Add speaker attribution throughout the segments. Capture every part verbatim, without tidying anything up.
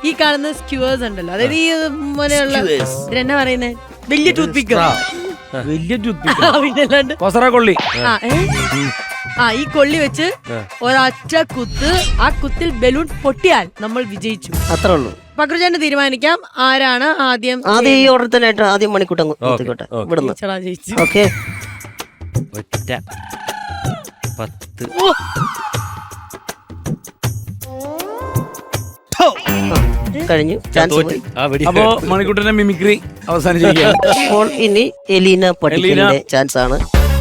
Speaker 1: ഈ കാണുന്ന സ്ക്യൂവേഴ്സ് ഉണ്ടല്ലോ, അതായത് ഈ പോലെയുള്ള ഇതിനെന്നാ പറയുന്നേ, വലിയ ടൂത്ത് പിക്ക്,
Speaker 2: വലിയ ടൂത്ത്
Speaker 1: പിന്നല്ലാണ്ട്
Speaker 2: കൊള്ളി.
Speaker 1: ആ ഈ കൊള്ളി വെച്ച് ഒരൊറ്റ കുത്ത്, ആ കുത്തിൽ ബലൂൺ പൊട്ടിയാൽ നമ്മൾ വിജയിച്ചു.
Speaker 3: അത്രേ ഉള്ളൂ.
Speaker 1: പക്രുചേട്ടന് തീരുമാനിക്കാം ആരാണ് ആദ്യം.
Speaker 3: ആദ്യം ഈ ഓർഡർ തന്നെ ആയിട്ട് ആദ്യം മണിക്കൂട്ടം കുത്തിക്കോട്ടെ ഇവിടുന്ന്. ഓക്കെ,
Speaker 4: ഒറ്റ പത്ത്
Speaker 3: കഴിഞ്ഞു. ചാൻസ് പോയി.
Speaker 2: അപ്പോ മണിക്കൂട്ടന്റെ മിമിക്രി അവസാനിച്ചിരിക്കുകയാണ്.
Speaker 3: അപ്പോൾ ഇനി എലീന പട്ടിക്കലിന്റെ ചാൻസ് ആണ്.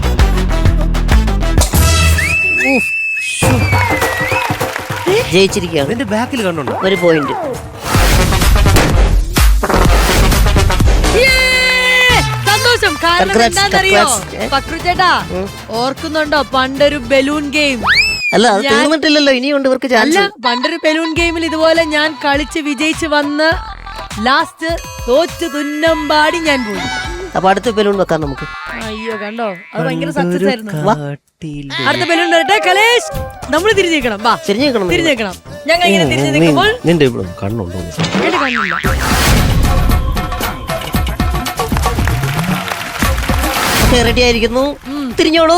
Speaker 3: ജയിച്ചിരിക്കുകയാണ്.
Speaker 4: എന്റെ ബാക്കിൽ കണ്ടുണ്ടോ
Speaker 3: ഒരു പോയിന്റ്.
Speaker 1: സന്തോഷം. കാരണം എന്താണെന്നറിയോ പക്രുചേട്ടാ, ഓർക്കുന്നുണ്ടോ പണ്ടൊരു ബലൂൺ ഗെയിം?
Speaker 3: അല്ല, അത് തീർന്നിട്ടില്ലല്ലോ, ഇനിയുണ്ട് ഇവർക്ക് ചാൻസ്.
Speaker 1: അല്ല, പണ്ടൊരു ബലൂൺ ഗെയിമിൽ ഇതുപോലെ ഞാൻ കളിച്ച് വിജയിച്ച് വന്ന് ലാസ്റ്റ് തോറ്റ് തുന്നമ്പാടി ഞാൻ പോയി.
Speaker 3: അപ്പൊ അടുത്ത ബലൂൺ വെക്കാം നമുക്ക്.
Speaker 1: അയ്യോ കണ്ടോ, അത് ഭയങ്കര സക്സസ് ആയിരുന്നു. അടുത്ത ബലൂൺ വരട്ടെ. കലേഷ്, നമ്മൾ തിരിഞ്ഞേക്കണം. വാ,
Speaker 3: തിരിഞ്ഞേക്കണം
Speaker 1: തിരിഞ്ഞേക്കണം. ഞങ്ങൾ ഇങ്ങനെ തിരിഞ്ഞു നിൽക്കുമ്പോൾ
Speaker 4: നിന്റെ ഇവിടെ കണ്ണുണ്ടോ?
Speaker 1: എന്റെ കണ്ണില്ല.
Speaker 3: റെഡി ആയിരിക്കുന്നു, തിരിഞ്ഞോളൂ.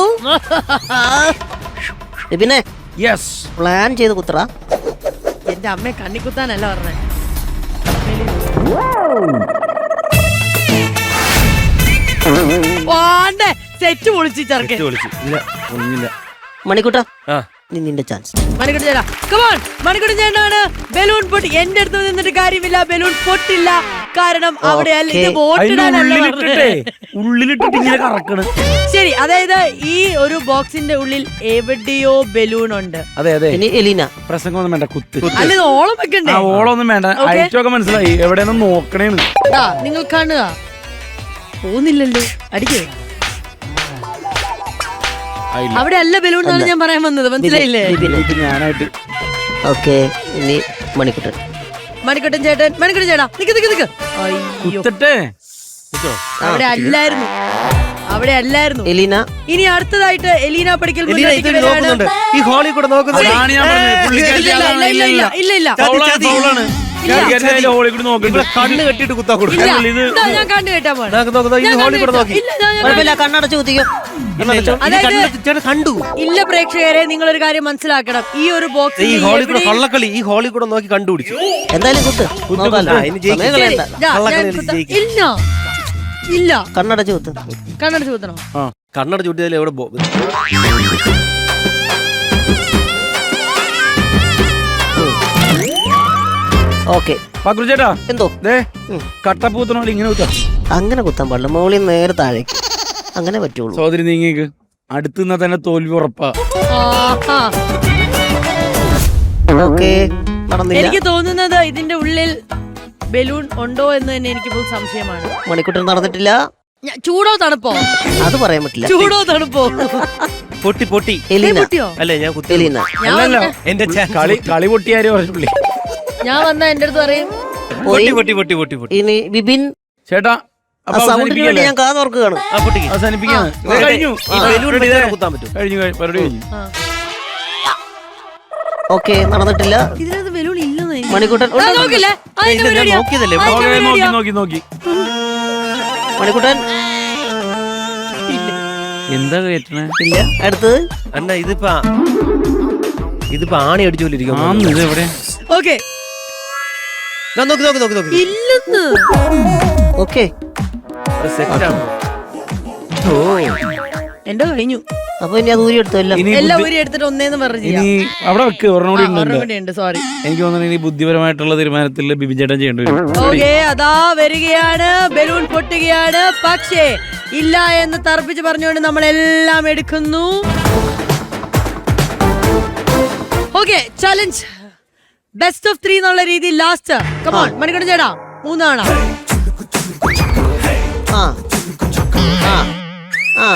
Speaker 3: പിന്നെ
Speaker 2: യെസ്,
Speaker 3: പ്ലാൻ ചെയ്ത് കുത്തറ.
Speaker 1: എന്റെ അമ്മയെ കണ്ണിക്കുത്താനല്ല പറഞ്ഞേ. സെറ്റ് പൊളിച്ച് ചെറുക്കെ.
Speaker 3: മണിക്കൂട്ട, നിന്റെ ചാൻസ്.
Speaker 1: മണിക്കൂട്ടൻ ചേട്ടാ, കമോൺ. മണിക്കൂട്ടൻ ചേട്ടനാണ് ബലൂൺ പൊട്ടി. എന്റെ അടുത്ത് നിന്നിട്ട് കാര്യമില്ല, ബലൂൺ പൊട്ടില്ല. കാരണം അവിടെ ശരി, അതായത് ഈ ഒരു ബോക്സിന്റെ ഉള്ളിൽ എവിടെയോ ബലൂൺ ഉണ്ട്.
Speaker 2: അതെ അതെ.
Speaker 3: ഇനി എലീന.
Speaker 2: പ്രസംഗമൊന്നും വേണ്ട, കുത്ത്.
Speaker 1: അല്ല, ഓളം വെക്കണ്ടേ?
Speaker 2: ഓളൊന്നും വേണ്ട, ഐറ്റമൊക്കെ മനസ്സിലായി. എവിടെയൊന്നും നോക്കണേന്ന്
Speaker 1: നിങ്ങൾ കാണുക. പോകുന്നില്ലല്ലോ, അടിക്കേ. അവിടെ അല്ല ബലൂൺ എന്നാണ് ഞാൻ പറയാൻ വന്നത്, മനസ്സിലായില്ലേ?
Speaker 2: ഞാനായിട്ട്.
Speaker 3: ഓക്കെ, ഇനി മണിക്കുട്ടൻ.
Speaker 1: മണിക്കുട്ടൻ ചേട്ടൻ. മണിക്കുട്ടൻ ചേട്ടാ, നിക്ക് നിക്ക് നിക്ക്. അവിടെ അല്ലായിരുന്നു, അവിടെ അല്ലായിരുന്നു.
Speaker 3: എലീന.
Speaker 1: ഇനി അടുത്തതായിട്ട് എലീന പഠിക്കൽ.
Speaker 4: ഈ ഹോളി കൂടെ നോക്കുന്നത്
Speaker 1: ഇല്ല ഇല്ല,
Speaker 4: കണ്ണ് കെട്ടിട്ട് കുത്താ കൊടുക്കും.
Speaker 1: ഞാൻ കണ്ണു കെട്ടാൻ പോവാണ്.
Speaker 3: കണ്ണടച്ച് കുത്തിക്കോ.
Speaker 4: കണ്ടു.
Speaker 1: ഇല്ല പ്രേക്ഷകരെ, നിങ്ങളൊരു കാര്യം മനസ്സിലാക്കണം. ഈ ഒരു ബോക്സ്
Speaker 4: ഈ ഹോളി കൂടെ കള്ളക്കളി ഈ ഹോളി കൂടെ നോക്കി കണ്ടുപിടിച്ചു.
Speaker 3: എന്തായാലും കുത്ത്.
Speaker 1: ഇല്ല ഇല്ല,
Speaker 3: കണ്ണടച്ച് കുത്ത്.
Speaker 1: കണ്ണടച്ച് കുത്തണോ?
Speaker 4: കണ്ണടച്ച് കുത്തിയാൽ എവിടെ
Speaker 3: ഓക്കെ.
Speaker 2: പക്രുചേട്ടാ,
Speaker 3: എന്തോ
Speaker 2: കട്ടപ്പൂത്തണോ ഇങ്ങനെ കുത്താ?
Speaker 3: അങ്ങനെ കുത്താൻ പാടില്ല, മോളിൽ നേരെ താഴേക്ക് അങ്ങനെ പറ്റുള്ളൂ.
Speaker 2: സോദരി നീങ്ങിക്ക്. അടുത്ത് നിന്നാ തന്നെ തോൽവി ഉറപ്പാ.
Speaker 3: ഓക്കെ, നടന്നില്ല.
Speaker 1: എനിക്ക് തോന്നുന്നത് ഇതിന്റെ ഉള്ളിൽ ബലൂൺ ഉണ്ടോ എന്ന് തന്നെ എനിക്ക് ഇപ്പോൾ സംശയമാണ്.
Speaker 3: മണിക്കൂട്ടൻ നടന്നിട്ടില്ല.
Speaker 1: ചൂടോ തണുപ്പോ
Speaker 3: അത് പറയാൻ പറ്റില്ല.
Speaker 1: ചൂടോ തണുപ്പോ?
Speaker 4: പൊട്ടി പൊട്ടി.
Speaker 1: പൊട്ടിയോ?
Speaker 4: അല്ലേ, ഞാൻ കുത്തി.
Speaker 3: എലീന.
Speaker 2: അല്ലല്ലോ,
Speaker 4: എന്റെ
Speaker 2: കളി കളി പൊട്ടിയാരോ പറഞ്ഞുള്ളി.
Speaker 1: ഞാൻ വന്ന എന്റെ അടുത്ത് പറയും
Speaker 4: പൊട്ടി പൊട്ടി പൊട്ടി പൊട്ടി പൊട്ടി.
Speaker 3: ഇനി ബിബിൻ.
Speaker 2: ചേട്ടാ,
Speaker 3: സൗണ്ടിന് വേണ്ടി ഞാൻ കാതോർക്കുകയാണ്.
Speaker 2: അവസാനിപ്പിക്കാണ്. കഴിഞ്ഞു.
Speaker 4: കുത്താൻ പറ്റും.
Speaker 2: കഴിഞ്ഞു, പരിപാടി കഴിഞ്ഞു.
Speaker 3: ഓക്കെ, നടന്നിട്ടില്ല.
Speaker 1: ഇതിനകത്ത് ബലൂൺ ഇല്ലെന്ന്
Speaker 3: മണിക്കൂട്ടൻ.
Speaker 4: നോക്കിയതല്ലേ
Speaker 2: നോക്കി നോക്കി നോക്കി.
Speaker 3: മണിക്കൂട്ടൻ
Speaker 2: എന്താ കേട്ടണേ?
Speaker 3: ഇല്ല. അടുത്തത്
Speaker 4: അന്ന ഇതിപ്പോ ഇതിപ്പോ ആണി അടിച്ചോണ്ടിരിക്കും.
Speaker 2: ഇത് എവിടെ?
Speaker 1: ഓക്കെ,
Speaker 4: നോക്കി നോക്കി നോക്കി നോക്കി.
Speaker 1: ഇല്ലെന്ന്.
Speaker 3: ഓക്കെ,
Speaker 1: എന്റെ കഴിഞ്ഞു.
Speaker 3: അപ്പൊ ഇനി അത് ഊരി എടുത്തോ? എല്ലാം
Speaker 1: എല്ലാം ഊരി എടുത്തിട്ട് ഒന്നേന്ന് പറഞ്ഞു.
Speaker 2: അവിടെ വെക്ക്, ഒരെണ്ണോടി
Speaker 1: ഉണ്ട്. സോറി,
Speaker 2: എനിക്ക് തോന്നുന്നു ഇനി ബുദ്ധിപരമായിട്ടുള്ള തീരുമാനത്തിൽ ബിബിൻ ചേട്ടൻ ചെയ്യേണ്ടി വരും.
Speaker 1: ഓക്കെ, അതാ വരികയാണ്. ബലൂൺ പൊട്ടുകയാണ്. പക്ഷേ ഇല്ല എന്ന് തർപ്പിച്ച് പറഞ്ഞുകൊണ്ട് നമ്മൾ എല്ലാം എടുക്കുന്നു. Okay, challenge best of three എന്നുള്ള രീതിയിൽ ലാസ്റ്റ്. കമോൺ മണിക്കൂട്ടൻ ചേട്ടാ, മൂന്നാണ്.
Speaker 3: ആ ആ ആ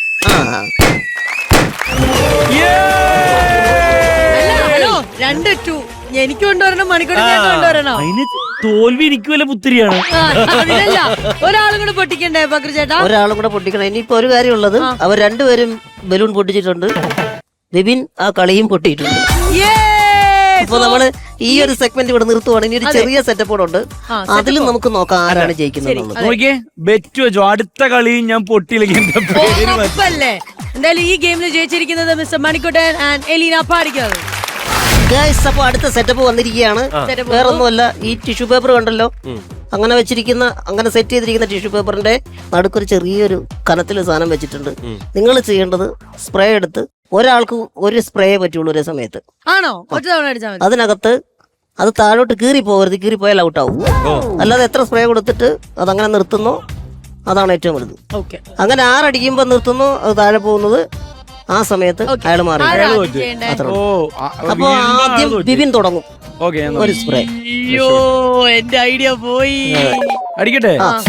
Speaker 1: ഹലോ, രണ്ട് ടു എനിക്ക് കൊണ്ടുവരണം, മണിക്കൂട്ടൻ ചേട്ടൻ കൊണ്ടുവരണം.
Speaker 2: അതിന് തോൽവി എനിക്ക് വല്ല പുത്തിരിയാണ്.
Speaker 1: അതിനല്ല, ഒരാളും കൂടെ പൊട്ടിക്കണ്ടേ പക്രു ചേട്ടാ?
Speaker 3: ഒരാളും കൂടെ പൊട്ടിക്കണം. ഇനിയിപ്പോ ഒരു കാര്യമുള്ളത്, അവർ രണ്ടുപേരും ബലൂൺ പൊട്ടിച്ചിട്ടുണ്ട്. ബിബിൻ ആ കളിയും പൊട്ടിയിട്ടുണ്ട്. അപ്പൊ നമ്മള് ഈ ഒരു സെഗ്മെന്റ് ഇവിടെ നിർത്തുവാണ്. ഇനി ഒരു ചെറിയ സെറ്റപ്പ് കൂടെ ഉണ്ട്, അതിലും നമുക്ക് നോക്കാം ആരാണ് ജയിക്കുന്നത് എന്നുള്ളത്.
Speaker 2: നോക്കിയേ ബെറ്റ് വെച്ചോ അടുത്ത കളി ഞാൻ പൊട്ടിയില്ലെങ്കിൽ എന്റെ പേര് മാറ്റി.
Speaker 1: ഉറപ്പല്ലേ? എന്തായാലും ഈ ഗെയിമിൽ ജയിച്ചിരിക്കുന്നത് mister Manikuttan and Elina Padikkav.
Speaker 3: Guys, അപ്പൊ അടുത്ത സെറ്റപ്പ് വന്നിരിക്കുകയാണ്. വേറൊന്നുമല്ല, ഈ ടിഷ്യൂ പേപ്പർ കണ്ടല്ലോ, അങ്ങനെ വെച്ചിരിക്കുന്ന അങ്ങനെ സെറ്റ് ചെയ്തിരിക്കുന്ന ടിഷ്യൂ പേപ്പറിന്റെ നടുക്കൊരു ചെറിയൊരു കനത്തിൽ സാധനം വെച്ചിട്ടുണ്ട്. നിങ്ങൾ ചെയ്യേണ്ടത് സ്പ്രേ എടുത്ത്, ഒരാൾക്ക് ഒരു സ്പ്രേ പറ്റുള്ളൂ ഒരേ സമയത്ത്.
Speaker 1: ആണോ? ഒറ്റ തവണ അടിച്ചാൽ മതി.
Speaker 3: അതിനകത്ത് അത് താഴോട്ട് കീറി പോകരുത്, കീറി പോയാൽ ഔട്ട് ആവും. അല്ലാതെ എത്ര സ്പ്രേ കൊടുത്തിട്ട് അതങ്ങനെ നിർത്തുന്നോ അതാണ് ഏറ്റവും വലുത്.
Speaker 1: ഓക്കെ,
Speaker 3: അങ്ങനെ ആറടിക്കുമ്പോ നിർത്തുന്നോ അത് താഴെ പോകുന്നത് ആ സമയത്ത് അയാൾ മാറി. അത്ര
Speaker 2: ഓ
Speaker 3: അപ്പൊ ആദ്യം ബിബിൻ തുടങ്ങും
Speaker 2: ഓക്കെ
Speaker 3: ഒരു സ്പ്രേ.
Speaker 1: അയ്യോ, എന്റെ ഐഡിയ പോയി.
Speaker 2: അടിക്കട്ടെ.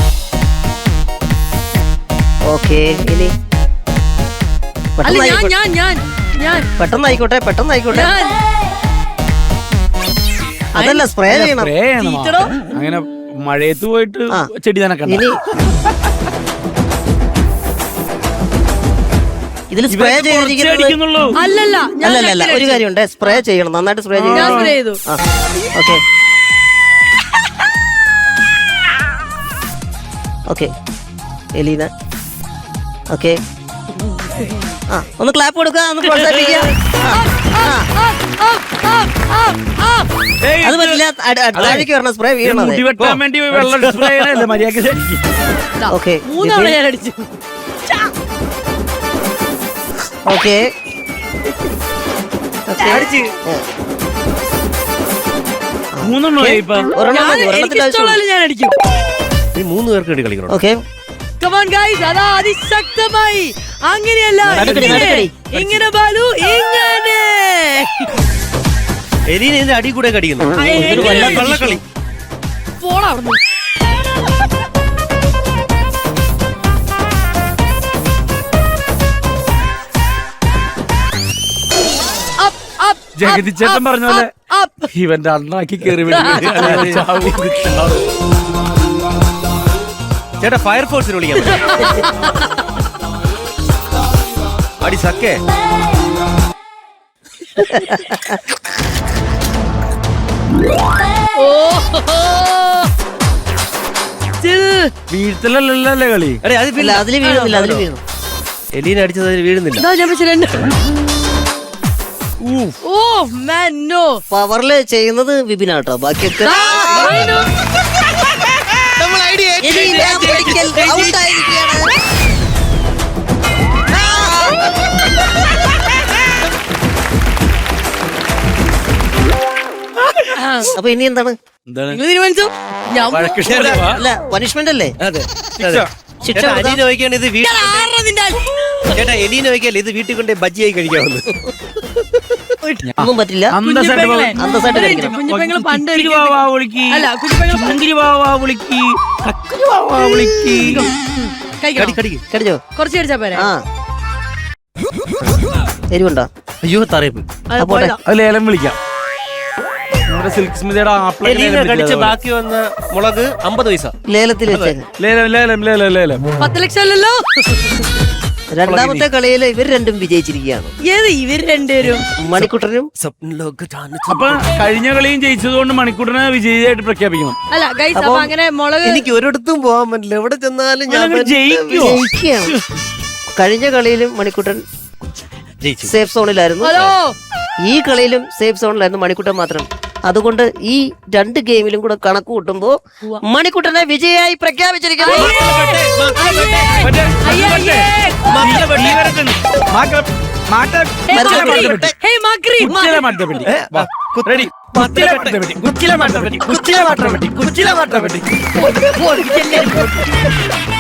Speaker 3: ഓക്കെ, ഇനി
Speaker 1: അല്ല, ഞാൻ
Speaker 3: പെട്ടെന്നായിക്കോട്ടെ
Speaker 1: ഞാൻ ഞാൻ ഞാൻ
Speaker 3: പെട്ടെന്നായിക്കോട്ടെ പെട്ടെന്നായിക്കോട്ടെ
Speaker 1: ഞാൻ
Speaker 3: അതല്ല, സ്പ്രേ ചെയ്യണം.
Speaker 2: സ്പ്രേ ചെയ്യണം.
Speaker 1: ചീറ്റടോ.
Speaker 2: അങ്ങനെ മഴയത്ത് പോയിട്ട്
Speaker 3: ആ.
Speaker 2: ചെടി നനക്കണ്ട.
Speaker 3: ഇനി ഇതിൽ സ്പ്രേ
Speaker 2: ഇവരൊക്കെ കുറച്ചേ
Speaker 3: ചെയ്തിരിക്കുന്നത്
Speaker 2: അടിക്കുന്നുള്ളൂ.
Speaker 1: അല്ലല്ല, ഞാൻ
Speaker 3: അല്ലല്ല, ഒരു കാര്യമുണ്ട്, സ്പ്രേ ചെയ്യണം, നന്നായിട്ട് സ്പ്രേ
Speaker 1: ഞാൻ
Speaker 3: ചെയ്യണം.
Speaker 1: സ്പ്രേ ചെയ്തു.
Speaker 3: Okay okay Elina, okay. ആ, ഒന്ന് ക്ലാപ്പ് കൊടുക്കുക, ഒന്ന് പ്രോത്സാഹിപ്പിക്കുക.
Speaker 2: ഏയ്,
Speaker 3: അത് പറ്റില്ല, അട്- അട്- താഴേക്ക് വരണം, സ്പ്രേ
Speaker 2: ഇത്
Speaker 3: വീഴണം.
Speaker 2: മുടി വെട്ടാൻ വേണ്ടി വെള്ളം സ്പ്രേ ചെയ്യണല്ലേ മര്യാദ.
Speaker 3: ഓക്കെ
Speaker 1: മൂന്നവണ ഞാൻ അടിച്ചു.
Speaker 3: ഓക്കെ
Speaker 2: മൂന്നെണ്ണോ ഇപ്പൊ
Speaker 3: ഒരെണ്ണം
Speaker 1: ഞാൻ
Speaker 3: മതി, ഒരെണ്ണത്തിന്റെ ആവശ്യമുള്ളൂ.
Speaker 1: എനിക്കിഷ്ടമുള്ള ഞാൻ അടിക്കും.
Speaker 4: ഈ മൂന്ന് പേർക്ക് വേണ്ടി കളിക്കണം.
Speaker 3: ഓക്കെ,
Speaker 1: Come on guys, അതാ അതിശക്തമായി. അങ്ങനെയല്ല,
Speaker 3: നടുക്കടി,
Speaker 1: ഇങ്ങനെ
Speaker 3: നടുക്കടി.
Speaker 1: ഇങ്ങനെ ബാലു, ഇങ്ങനെ
Speaker 4: എലീന ഇതിന്റെ അടി കൂടെ കടിക്കുന്നു.
Speaker 1: ആ,
Speaker 4: ഇതൊരു
Speaker 1: എങ്ങനെ
Speaker 4: വല്ല
Speaker 1: അടിച്ചു?
Speaker 4: കള്ളക്കളി.
Speaker 1: പോടാ അവിടുന്ന്. Up, up,
Speaker 2: ജഗതി
Speaker 1: up,
Speaker 2: ചേട്ടൻ
Speaker 1: up,
Speaker 2: പറഞ്ഞ പോലെ
Speaker 1: up, up.
Speaker 2: ഇവന്റെ അണ്ണാക്കി കയറി
Speaker 4: ചേട്ടാ, ഫയർഫോഴ്സിന് വിളിക്കാൻ അടി സക്കേ.
Speaker 1: Still.
Speaker 2: വീഴ്ത്തലല്ലേ കളി.
Speaker 4: അടേ അത്
Speaker 3: ഇല്ല, അതില് വീഴുന്നില്ല, അതില് വീഴുന്നു.
Speaker 4: എലീന അടിച്ചത് അതിൽ വീഴുന്നില്ല.
Speaker 1: ഇതാ ഞാൻ വെച്ച രണ്ട്. ഓ man, no.
Speaker 3: പവറില് ചെയ്യുന്നത് വിപിനാട്ടോ, ബാക്കിയൊക്കെ എലീന മെഡിക്കൽ ഔട്ട് ആയിരിക്കുകയാണ്. അപ്പൊ ഇനി എന്താണ്?
Speaker 2: എന്താണ്
Speaker 1: നിങ്ങൾ തീരുമാനിച്ചോ? ഞാൻ
Speaker 2: വഴക്ക്
Speaker 3: അല്ല, പണിഷ്മെന്റ് അല്ലേ?
Speaker 4: അതെ
Speaker 2: ശിക്ഷ.
Speaker 3: ശിക്ഷ
Speaker 4: ചേട്ടാ,
Speaker 3: കൊടുക്കാം.
Speaker 4: അലീന നോക്കിയാണ് ഇത് വീട്ടിൽ
Speaker 1: ആരുടെ നിന്റെ ആൾ?
Speaker 4: ചേട്ടാ എലീന നോക്കിയല്ലേ ഇത് വീട്ടിൽ കൊണ്ട് ബജ്ജിയായി കഴിക്കാവുന്നത്.
Speaker 3: ഒന്നും പറ്റില്ല.
Speaker 2: അന്തസ്സായിട്ട്
Speaker 1: കുഞ്ഞിപ്പെങ്ങളെ.
Speaker 3: അന്തസ്സായിട്ട്
Speaker 1: ഒരു
Speaker 3: കഴിക്കണം.
Speaker 1: കുഞ്ഞിപ്പെങ്ങള് പണ്ട്
Speaker 2: കിക്കിരി
Speaker 1: ഒരിക്കൽ-
Speaker 2: വാവാ വിളിക്ക്.
Speaker 1: അല്ല, കുഞ്ഞിപ്പെങ്ങള് പണ്ട്
Speaker 2: ചുങ്കിരി വാവാ വിളിക്ക്. കക്കിരി വാവാ വിളിക്ക്.
Speaker 1: കഴിക്കണോ?
Speaker 4: കടിക്ക്.
Speaker 3: കടിച്ചോ?
Speaker 1: കുറച്ച് കഴിച്ചാ പോരെ?
Speaker 3: ആ, എരിവുണ്ടോ?
Speaker 4: അയ്യോ തറയപ്പ്.
Speaker 1: അത്
Speaker 3: അപ്പോട്ടെ.
Speaker 1: പോയതാ.
Speaker 2: അത് ലേലം വിളിക്കാം. നമ്മുടെ സിൽക്ക് സ്മിതയുടെ ആപ്പിൾ
Speaker 4: എലീന കടിച്ച ബാക്കി വന്ന മുളക് അമ്പത് പൈസ.
Speaker 3: ലേലത്തിൽ വെച്ചേക്ക്.
Speaker 2: ലേലം ലേലം ലേലം ലേലം.
Speaker 1: പത്ത് ലക്ഷം അല്ലല്ലോ.
Speaker 3: രണ്ടാമത്തെ കളിയിൽ ഇവർ രണ്ടും വിജയിച്ചിരിക്കുകയാണ്.
Speaker 1: ഏത് ഇവര് രണ്ടുപേരും?
Speaker 3: മണിക്കുട്ടനും
Speaker 2: അപ്പൊ കഴിഞ്ഞ കളിയും ജയിച്ചതുകൊണ്ട് മണിക്കൂറിനെ വിജയിയായിട്ട് പ്രഖ്യാപിക്കണം.
Speaker 1: അല്ല ഗൈസ്, അപ്പൊ അങ്ങനെ മുളക്
Speaker 4: എനിക്ക് ഒരിടത്തും പോകാൻ പറ്റില്ല, എവിടെ ചെന്നാലും ഞാൻ
Speaker 2: അങ്ങനെ ജയിക്കുവോ?
Speaker 3: ജയിക്കുകയാണ്. കഴിഞ്ഞ കളിയിലും മണിക്കുട്ടൻ
Speaker 4: ജയിച്ചു.
Speaker 3: സേഫ് സോണിലായിരുന്നു.
Speaker 1: ഹലോ,
Speaker 3: ഈ കളിയിലും സേഫ് സോണിലായിരുന്നു മണിക്കുട്ടൻ മാത്രം. അതുകൊണ്ട് ഈ രണ്ട് ഗെയിമിലും കൂടെ കണക്ക് കൂട്ടുമ്പോ മണിക്കുട്ടനെ വിജയായി പ്രഖ്യാപിച്ചിരിക്കുന്നു.
Speaker 2: മറ്റേ
Speaker 1: അയ്യേ, അയ്യേ.
Speaker 2: ഈ വരത്തുണ്ട്. മാക്ക- മാറ്റ-
Speaker 1: Hey,
Speaker 2: കുച്ചില
Speaker 1: Makri.
Speaker 2: മാറ്റപ്പെട്ടി.
Speaker 1: Hey, Makri.
Speaker 2: കുച്ചില മാറ്റപ്പെട്ടി. വാ. Ready? കുച്ചില മാറ്റപ്പെട്ടി. കുച്ചില മാറ്റപ്പെട്ടി. കുച്ചില മാറ്റപ്പെട്ടി. കുച്ചില മാറ്റപ്പെട്ടി.